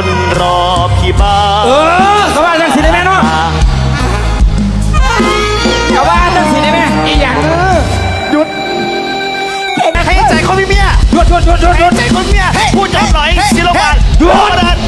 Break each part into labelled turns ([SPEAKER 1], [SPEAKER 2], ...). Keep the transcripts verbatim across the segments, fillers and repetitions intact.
[SPEAKER 1] คนรอพี่บ้า
[SPEAKER 2] เออเขาว่าจังสิได้ไหมเนาะเขาว่าจังสิได้ไหมอีหยังหยุด
[SPEAKER 1] ให้ใจคนมีเมีย
[SPEAKER 2] หยุดหยุดหยุดหยุดหยุด
[SPEAKER 1] ใจคนเมียพูดจบหน่อยศิลปะหยุด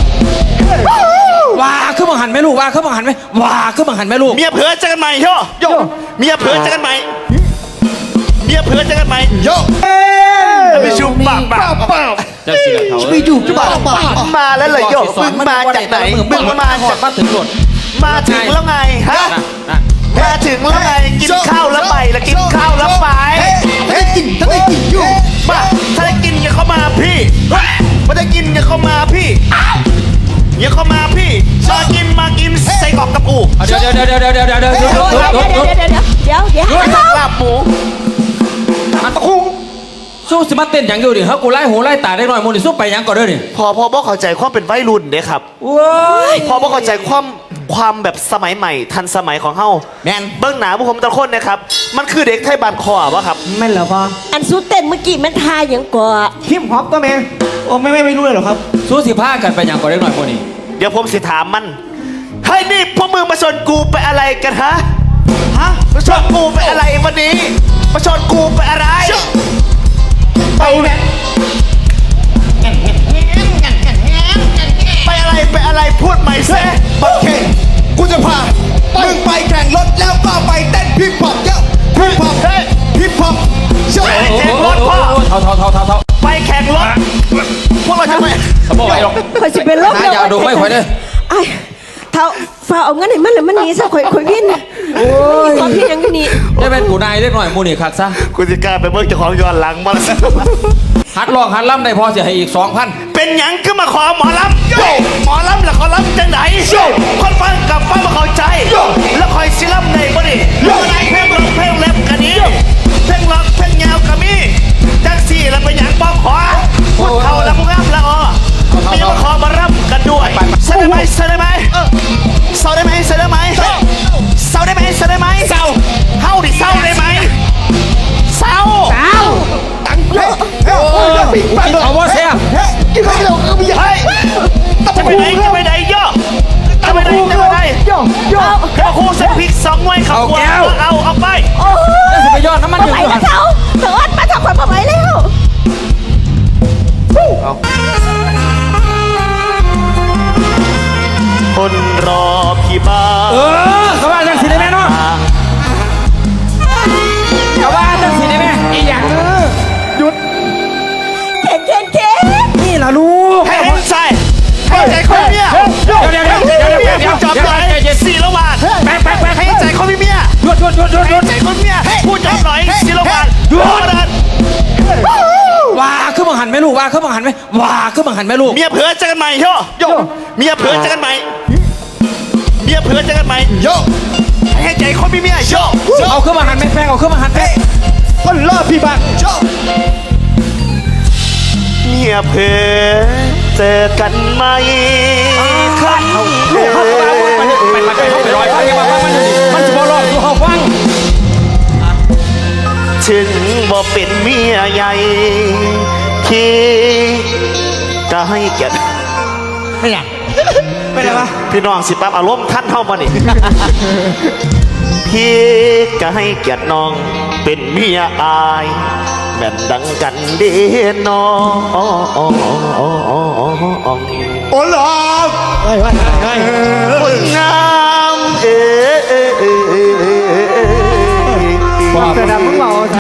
[SPEAKER 2] ว่าขึ้นบังหันไหมลูกว่าขึ้นบังหันไหมว่าขึ้นบังหันไหมลูก
[SPEAKER 1] เมียเผื่อเจอกันใหม่โยโยเมียเผื่อเจอกันใหม่เมียเผื่อเจอกันใหม่โยไปชุบปากปากปาก
[SPEAKER 3] ไปอยู่จุ๊บปากปาก
[SPEAKER 1] มาแล้วเลยโยมึงมาจากไหนมึงมาจาก
[SPEAKER 2] มาถึงหมด
[SPEAKER 1] มาถึงแล้วไงฮะมาถึงแล้วไงกินข้าวแล้วไปแล้วกินข้าวแล้วไป
[SPEAKER 3] ถ้าได้กินถ้าได้กินอยู่
[SPEAKER 1] มาถ้าได้กินอย่าเข้ามาพี่ไม่ได้กินอย่าเข้ามาพี่อย่าเข้ามาพี่มากินมากินใส่กรอกกระปู
[SPEAKER 2] เดี๋ยวเดี๋ยวเดี๋ยวเดี๋ยวเดี๋ยวเดี๋ยวเดี๋ยวเดี๋ยวเดี๋ยวเดี๋ยวเดี๋ยว
[SPEAKER 4] เดี๋ยวเดี๋ยวเดี๋ยว
[SPEAKER 1] ลาบหมู
[SPEAKER 2] มันตะคุ่มสู้สิมาเต้นอย่างอยู่ดิเฮ้ยกูไล่หูไล่ตาได้หน่อยมูนี่สู้ไปยังก่อนเด้อนี่
[SPEAKER 1] พอพอบ่เข้าใจความเป็นวัยรุ่นเด้ครับ
[SPEAKER 2] ว้าย
[SPEAKER 1] พอบ่เข้าใจความความแบบสมัยใหม่ทันสมัยของเฮา
[SPEAKER 3] แมน
[SPEAKER 1] เบิ้งหนาพวกผมตะคนนะครับมันคือเด็กไทยบานคอวะครับ
[SPEAKER 3] แม่นเหรอพ่อ
[SPEAKER 4] อันสู้เต้นเมื่อกี้มันทายอย่างก่อ
[SPEAKER 3] ฮิปฮอปก็แม่โอ้ไม่ไม่ไม่รู้เลยหรอครับ
[SPEAKER 2] สู้สิพากันไปยังก่อนได้หน่อยมูนี่
[SPEAKER 1] เดี๋ยวผมสิถามมันเฮ้ยนี่พวกมึงมาชนกูไปอะไรกันฮะฮะมาชนกูไปอะไรวันนี้มาชนกูไปอะไรไปแม่ไปอะไรไปอะไรพูดใหม่ซิ
[SPEAKER 3] โอเคกูจะพามึงไปแข่งรถแล้วก็ไปเต้นฮิปฮอปเยอะฮิปฮอปฮิปฮอปเยอะ
[SPEAKER 1] แข่งรถพ่อ
[SPEAKER 2] เท่าเท่าเท่าเท่าเท่า
[SPEAKER 1] ไปแข่งรถพวกเราจะไป
[SPEAKER 2] สมบูรณ์ไปหรอก
[SPEAKER 4] คอยจะเป็นลม
[SPEAKER 2] เลยอย่าดูไม่ค่อยเลย
[SPEAKER 4] ไอ้เท่าฝ่าเอาเงินไหนมันเลยมันหนีซะคอยคอยวิ่งโอ้ยความพี่ยังนี่
[SPEAKER 2] ได้เป็นกูนายเล็กหน่อยมูนี่คักซะ
[SPEAKER 1] กูจะกล้าไปเบิกเจ้าของย้อนหลังมาแล้ว
[SPEAKER 2] ฮัดลองฮัดล่ำได้พอเสียให้อีกสองพัน
[SPEAKER 1] เป็นหยังขึ้นมาขอหมอลำโยหมอลำแล้วขอลำจังไหนโยคนฟังกับฟังมาเข้าใจโยแล้วคอยซิลำในบ่ดิโยเพลงร้องเพลงแรปกันนี้เพลงร้องเพลงยาวกันมีจังสี่แล้วเป็นหยังบ้องขอพูดเท่าแล้วพวกอ้ำละอ๋อมีมาขอมารับกันด้วยเสได้ไหมเสได้ไหมเศร้าได้ไหมเศร้าได้ไหมเศร้าได้ไหมเศร้าได้ไหมเศร้าเฮาดิเศร้าได้ไหมเศร้า
[SPEAKER 4] เศร้า
[SPEAKER 3] ตังเฮ้ยเฮ้ย
[SPEAKER 2] กินเอาว่าเสีย
[SPEAKER 3] กินไปแล้วก็ไม่
[SPEAKER 1] เฮ้ยจะไปไหนจะไปไหนย่อจะไปไหนจะไปไหน
[SPEAKER 3] ย่อย่อ
[SPEAKER 1] เดี๋ยวครูใส่พริกสองหน่วยขับหัวเอาเอาไป
[SPEAKER 4] โอ้
[SPEAKER 2] ยจะไปยอดน้ำมันอยู่
[SPEAKER 4] ด้วยเขาเถิดมาทำความไหวแล้ว
[SPEAKER 1] คนรอพี่บ้า
[SPEAKER 2] เออเขาว่าจังสิได้ไหมเนาะเขาว่าจังสิได้ไหมอีหยังหยุด
[SPEAKER 4] เก่งเก่งเก่ง
[SPEAKER 2] นี่ล่ะลูก
[SPEAKER 1] ให้เห็นใจให้ใจคนเมีย
[SPEAKER 2] เดี๋ยวเดี๋ยวเดี๋ยวเดี๋ยวเดี๋ยวเดี๋ยว
[SPEAKER 1] จอบหน่อยสี่ละวันแป๊กแป๊กแป๊กให้ใจคนเมีย
[SPEAKER 2] หยุดหยุดหยุดหยุดหยุด
[SPEAKER 1] ใจคนเมียพูดจอบหน่อยสี่ละวันหยุด
[SPEAKER 2] ว่าขึ้นบังหันไหมลูกว่าขึ้นบังหันไหมว่าขึ้นบังหันไหมลูก
[SPEAKER 1] เมียเผื่อเจอกันใหม่โยโยเมียเผื่อเจอกันใหม่เมียเผื่อเจอกันใหม่โยให้ใจคนมีเมียโย
[SPEAKER 2] เอาขึ้นบังหันไหมแฟงเอาขึ้นบังหันไหม
[SPEAKER 3] คนรอพี่บ้าโย
[SPEAKER 1] เมียเผื่อเจอกันไหมคันเผื่อ
[SPEAKER 2] ไปไปไปไปลอยไปมามันมันจะบอลลูกเขาฟัง
[SPEAKER 1] ถึงบ่เป็นเมียใหญ่ที่จะให้เกียรติ
[SPEAKER 2] ไม่อยากไม่ได้ปะ
[SPEAKER 1] พี่น้องสิปั๊บอารมณ์ท่านเท่ามานี่พี่ก็ให้เกียรติน้องเป็นเมียอายแม่นดังกันเด้น้อง
[SPEAKER 3] โอ้หรอไอ้ไอ้ไอ้
[SPEAKER 1] คนงามเอ๋
[SPEAKER 3] แต่ดำมึงเมา